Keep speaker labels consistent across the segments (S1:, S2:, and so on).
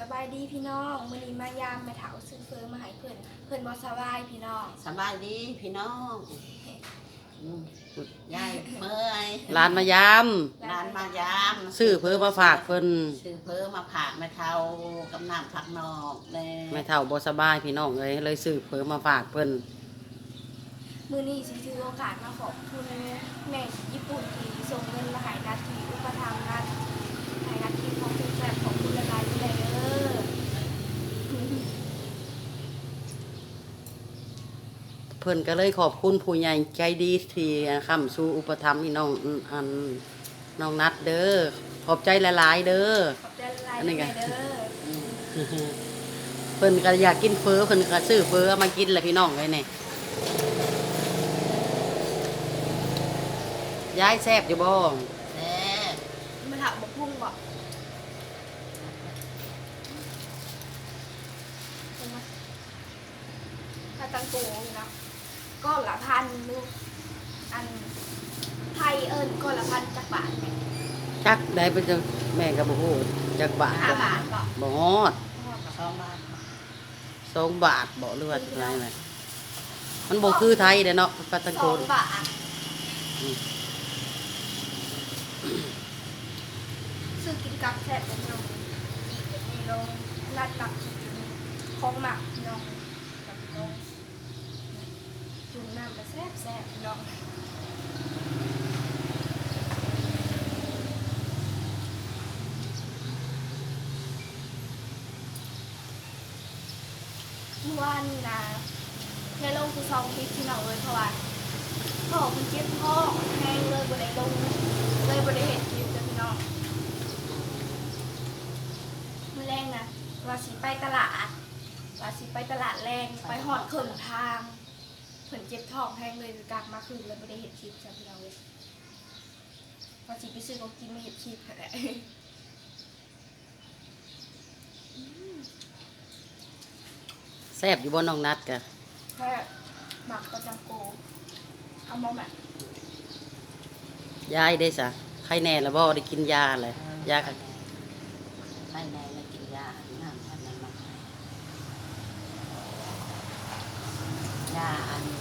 S1: บายดีพี่น้องมื้อนี้มายามแม่เฒ่าซื้อเฟอมาให้เพิ่นบ่สบายพี่น้อง
S2: สบายดีพี่น้องยายเมื่อย
S3: ร้านมายาม
S2: ร้านมายาม
S3: ซื้อเพิ่มมาฝากเพิ่น
S2: ซื้อเพิ่มมาผากแม่เฒ่ากับน้ำผักนอกเลย
S3: แม่เฒ่าบ่สบายพี่น้องเลยซื้อเพิ่มมาฝากเพิ่น
S1: มื้อนี้สิถือโอกาสมาขอบคุณแม่ญี่ปุ่นที่ส่งเงินมาให้นัดที่อุปถัมภ์นัดให้นัดที่ของคุณแซ่บของคุณละลายที่ใดเด้อ
S3: เพิ่นก็เลยขอบคุณผู้ใหญ่ใจดีที่ค้ำสู่อุปถัมภ์พี่น้องน้องนัดเด้อขอบใจหลายๆเด้อ
S1: ขอบใจละลายที่ใดเด้อ
S3: เพิ่นก็อยากกินเฟอเพิ่นก็ซื้อเฟอมากินแหละพี่น้องเลยนี่ยายแซ่บอยู่บ่
S2: แซ่บ
S1: แม่เฒ่าบ่พุ่งบ่ถ้าตังโกอยู่นะก้อนละพันลูกอันไทยเอิ้นก้อนละพันจักบาทแม่
S3: จักได้เป็นจังแม่ก็บ่ฮู้จักบาท
S1: 5 บาทบ่
S3: บ่ฮอด
S2: 2 บาท
S3: 2 บาทบ่หรือว่าจังไดแม่มันบ่คือไทยเด้อเนาะปาตังโก
S1: 2 บาทซื้อกินกับแซ่บเป็นน้องอีกแบบนี้ลงรัดตักของหมักน้องกับน้องจุ่มน้ำมาแซ่บแซ่บน้องเมื่อวานนี่นะในลงคือซองคลิปที่น้องเลยเพราะว่าพ่อคุณเจ็บพ่อแห้งเลยบนไอ้ลงเลยบนไอ้เห็ดคลิปเลยพี่น้องมื้อแรงนะว่าสิไปตลาดแรงไปหอดเขินทางเผินเจ็บท้องแห้งเลยกลับมาคืนเลยไม่ได้เห็ดคลิปจ้ะพี่น้องเลยว่าสิไปซื้อของกินไม่เห็ดคลิปแหละ
S3: แซ่บอยู่บ่น้องนัดกะ
S1: แค่หมักประจำโกเอามาแบบ
S3: ยายได้ซะใครแน่ละบ่ได้กินยาเลยยาก็
S2: ไม่แน่ไม่กินยาน้ำอันนั้นมายาอัน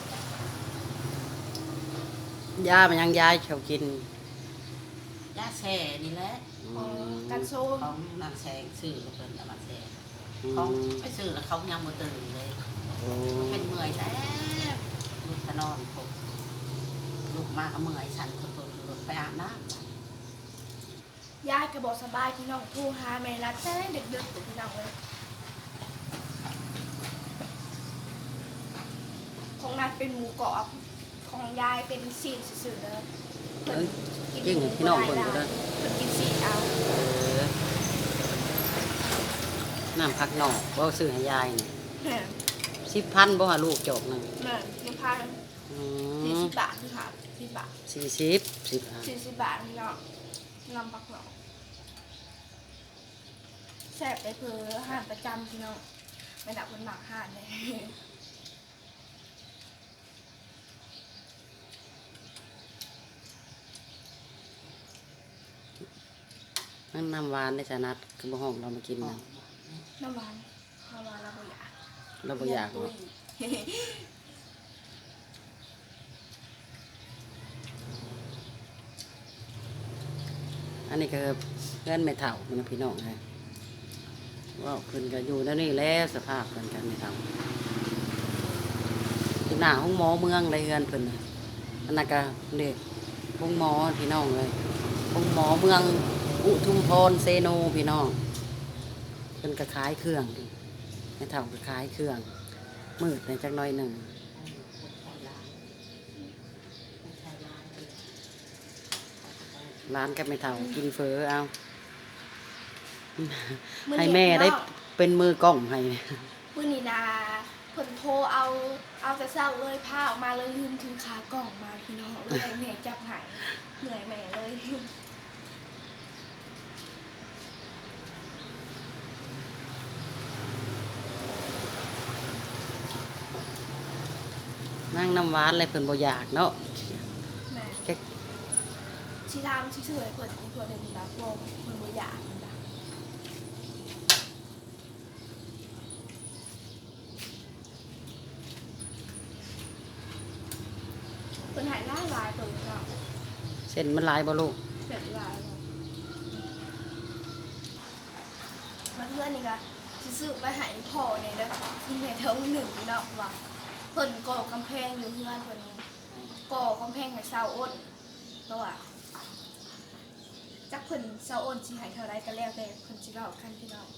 S3: ยามันยังยายชอบกิน
S2: ยาแช่นี่แหละ
S1: กันโซ
S2: ของนางแสงซื้อแล้วเพิ่นเอามาแช่ของไปซื้อแล้วเขายังบ่ตื่นเลยเป็นเมื่อยแล้วลูกจะนอนพบลูกมาก็เมื่อยฉันก็ตัวลูกไปอาบน้ำ
S1: ยายก็บอกสบายพี่น้องผู้หาแม่รัดแต่เด็กๆพี่น้องเลยของนัดเป็นหมูกรอบของยายเป็นซีนสื่อๆเลย
S3: จริงพี่น้องคนก็ได้
S1: กินซีนเอา
S3: น้ำผักหน่อบ่ซื้อให้ยายนี่10,000บ่หาลูกจอกนึง
S1: แม่ยังพา40 บาทพี่ค่ะ10 บาท40 บาทพี่น้องนำผักหน่อแซ่บไปเพื่ออาหารประจำพี่น้องไม่ดับคนหมักห่านเลย
S3: นั่นน้ำหวานได้สนัดคือบ่ห้องเรามากินนะ
S1: น้ำหวานเราบ่อยาก
S3: เราบ่อยากเนาะอันนี้ก็เพื่อนแม่เฒ่ามันพี่น้องค่ะว่าเพิ่นก็อยู่แล้วนี่แล้วสภาพเพิ่นกันแม่เฒ่าที่หน้าห้องหมอเมืองเลยเฮือนเพิ่นน่ะอันนั้นก็เด็กห้องหมอพี่น้องเลยห้องหมอเมืองอุทุมพรเซโนพี่น้องเพิ่นก็ขายเครื่องแม่เฒ่าก็ขายเครื่องมืดในจักหน่อยหนึ่งร้านกับแม่เฒ่ากินเฟอเอาให้แม่ได้เป็นมือกล้องให้
S1: มื้อนี้นะเพิ่นโทรเอาแต่เช้าเลยพาออกมาเลยลืมถือขากล่องมาพี่น้องเลยแม่จับหายเหนื่อยแม่เลย
S3: นั่งน้ำหวานอะไรเพิ่นบ่อยากเนาะ
S1: แม่ชีรามชื่อเพิ่นอีกคนนึงนะพวกเพิ่นบ่อยากนะหลายตัวเนาะ
S3: เส้นมันหลายบ่ลูก
S1: เสร็จหลายเนาะมาเพื่อนนี่ก็สิซื้อไปให้พ่อเนี่ยแล้วที่ในเท่าหนึ่งเนาะว่าเพิ่นก่อกำแพงอยู่เพื่อนเพิ่นก่อกำแพงให้ชาวอ้นเพราะว่าจักเพิ่นชาวอ้นสิให้เท่าไรก็แล้วแต่เพิ่นสิเว้ากันพี่น้อง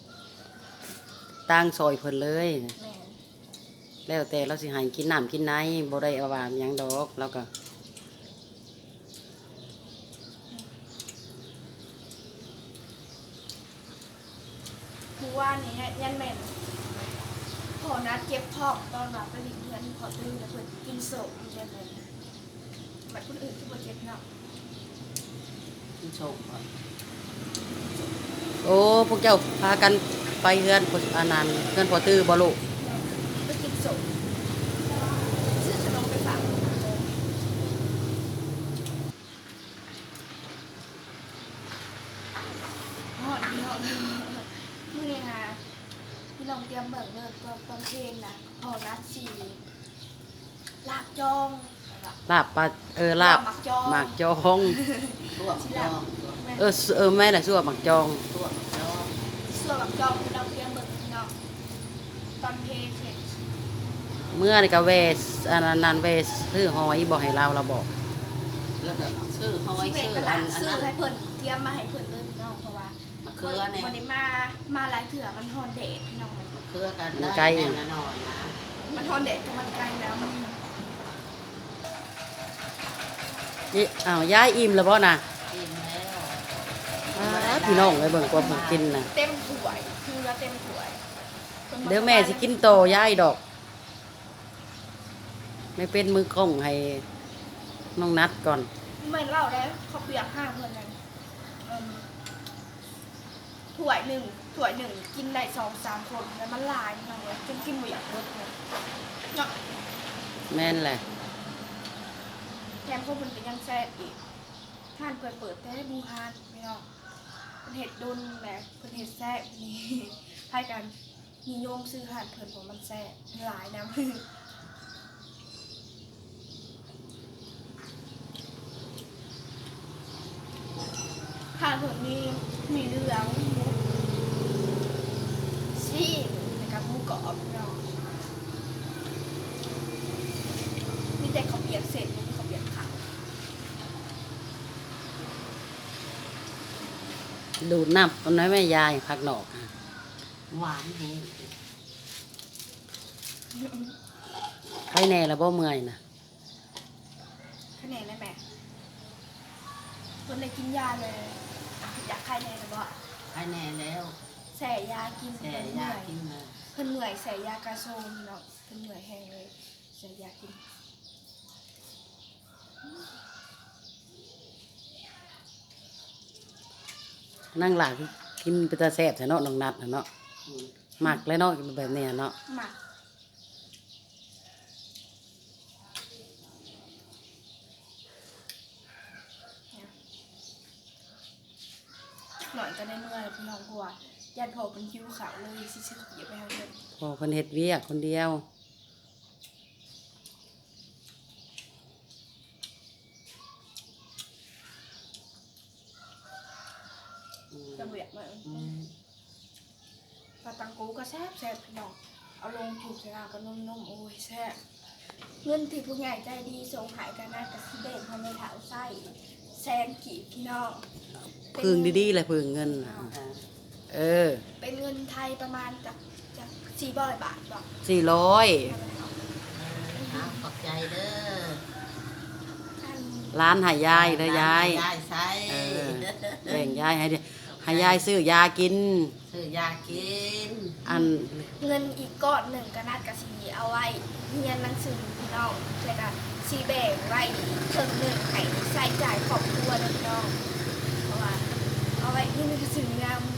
S3: ตั้งซอยเพิ่นเลย
S1: แม่น
S3: แล้วแต่เราสิให้กินน้ำกินไหนบ่ได้เอาว่าหยังดอกแล้วก็
S1: คือว่านี่ยันแม่นพอนัดเก็บทองตอนรับไปดิเพื่อนขอตื้อแล้วเพิ่นกินโศกอยู่ได้เลยบัดคนอื่นที่บ่เจ็บเนาะ
S2: ที่โชคก่อน
S3: โอ้พวกเจ้าพากันไปเฮือนพออันนั้นเฮือนพอตื้อบ่ลูก
S1: ไปกินโศกซื้อขนมไปฝากฮอดพี่น้องมื้อนี้ค่ะพี่น้องเตรียมเบิ่งเด้อตอนเพลงน่ะพอนัดสิลาบจองแล้วก็
S3: ลาบปลาลาบ
S1: หมักจอง
S3: หมากจอง
S2: ตัวจอง
S1: แม่
S3: แม่น่ะชั่วหมากจอง
S2: ตัวจอง
S1: ส่วนหมักจองพี่น้องเตรียมเบิ่งพี่น้องตอนเพลงเสร็จ
S3: เมื่อนี่ก็เวสอันนั้นเวสซื้อหอยบ่ให้เราบอก
S2: แล้วก็ซื้อหอย
S1: ที่เป็น
S2: ซื้อ
S1: ต
S2: อั
S1: ลาด
S2: น
S1: ซื้อ
S2: นั้น
S1: ให้เพิ่นเตรียมมาให้เพิ่นเลยพี่น้องเพราะว่าม
S2: ะเขือเนี่ย
S1: วันนี้มาหลายเถื่อมันฮอนเดดพี่น้อง
S2: มะเขือกันได้แน่นอนนะ
S1: มันฮอนเดดกับมันไกลแล้วมัน
S3: นี่อ้าวย้ายอิ่มแล้วบ่น่ะ
S2: กินแล้ว
S3: พี่น้องไปเบิ่งกว่าผมกินน่ะ
S1: เต็มถ้วยคือว่าเต็มถ้วย
S3: เดี๋ยวแม่สิกินโตย้ายดอก ไม่เป็นมือกล้องให้น้องนัดก่อน
S1: เหมือนเราแล้วเขาเปียกห้าเพิ่นนั่นถ้วยหนึ่งกินได้2-3 คนแล้วมันหลายพี่น้องเว้ยจนกินบ่อยากเบิดเลยเนาะ
S3: แม่นแหละ
S1: แถมพวกมันก็ยังแซ่บอีกท่านเปิดแต่ให้บูฮานไม่เนาะเพิ่นเห็ดดุนแหละเพิ่นเห็ดแซ่บนี่ ให้ กันนิยมซื้อหานเพิ่นผมมันแซ่บหลายนะ หานเพิ่นมีเรื่องหมูซี่นะครับหมูกรอบเนาะมีแต่ข้าวเปียกเสร็จมีข้าวเปียกขาว
S3: ดูดน้ำคนน้อยแม่ยายพักหนอก
S2: หวานแห้ง
S3: ใครแน่ละบ่เมื่อยน่ะ
S1: คะแนนได้ไหมคนเลยกินยาเลยอยากใครแน่หรือเปล่า
S2: ให้แน่แล้ว
S1: แส่ยากิน
S2: แต่
S1: เพิ่นเห
S2: ยา
S1: นื่อย
S2: กินเลย
S1: เพิ่นเหนื่อยแส่ยากระโซมเนาะเพิ่นเหนื่อยแห้งเลยแส่ยากิน
S3: นั่งหลักกินไปตาแซ่บแท้เนาะน้องนัดน่ะเนาะ
S2: อืม
S3: หมักแล้วเนาะแบบเนี้ยเนาะ
S1: หมักหน่อยก็ได้เมื่อยพี่น้องกลัวญาติพ่อเป็นคิวขาวเลยสิชื่อเก็บไปให้เพิ่น
S3: พอเพิ่นเฮ็ดเวียกคนเดียว
S1: จะเบียดมา
S2: อืม
S1: ปลาตังกูก็แซ่บพี่น้องเอาลงถูกใส่น้ำก็นุ่มๆโอ้ยแซ่บเงินที่ผู้ใหญ่ใจดีส่งหายกันนะกับสิเด่นทำในถาวไส้แซนกีบพี่น้อง
S3: พึ่งดีๆเลยพึ่งเงินน่ะ
S2: อ่า
S3: เออ
S1: เป็นเงินไทยประมาณจาก400 บาทบอก
S3: 400
S2: ครับขอบใจเด้อ
S1: ท่าน
S3: ร้านให้ยายเด้อยาย
S2: ยายใส่
S3: เออ แบ่งยายให้ยายซื้อยากิน
S2: ซื้อยากิน
S3: อัน
S1: เงินอีกก้อนหนึ่งก็นัดกับสีเอาไว้เรียนหนังสือพี่น้องเลยกันสีแบ่งไว้ครึ่งหนึ่งให้ใช้จ่ายครอบครัวนะพี่น้องเพราะว่าเอาไว้ที่หนังสืองาม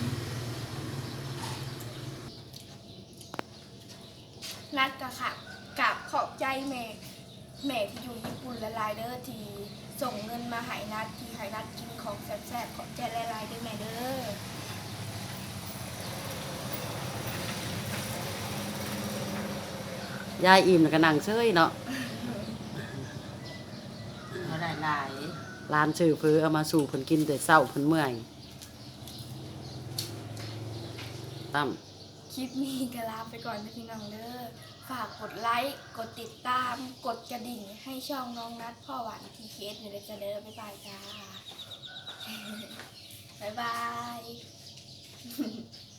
S1: นัดกับค่ะกับขอบใจแม่ที่อยู่ญี่ปุ่นละลายเด้อที่ส่งเงินมาให้นัดที่ให้นัดกินของแซ่บๆขอบใจละลายเด้อแม่เด้อ
S3: ยายอิ่มแล้วก็นั่งเฉยเนาะ
S2: หลาย
S3: ร้านชื่อเพื่อเอามาสู่เพิ่นกินแต่เช้าเพิ่นเมื่อยตั้ม
S1: คลิปนี้ก็ลาไปก่อนนะพี่น้องเด้อฝากกดไลค์กดติดตามกดกระดิ่งให้ช่องน้องนัดพ่อหวานทีเคสอยู่เลยจ้ะเด้อบ๊ายบายจ้า บ๊ายบาย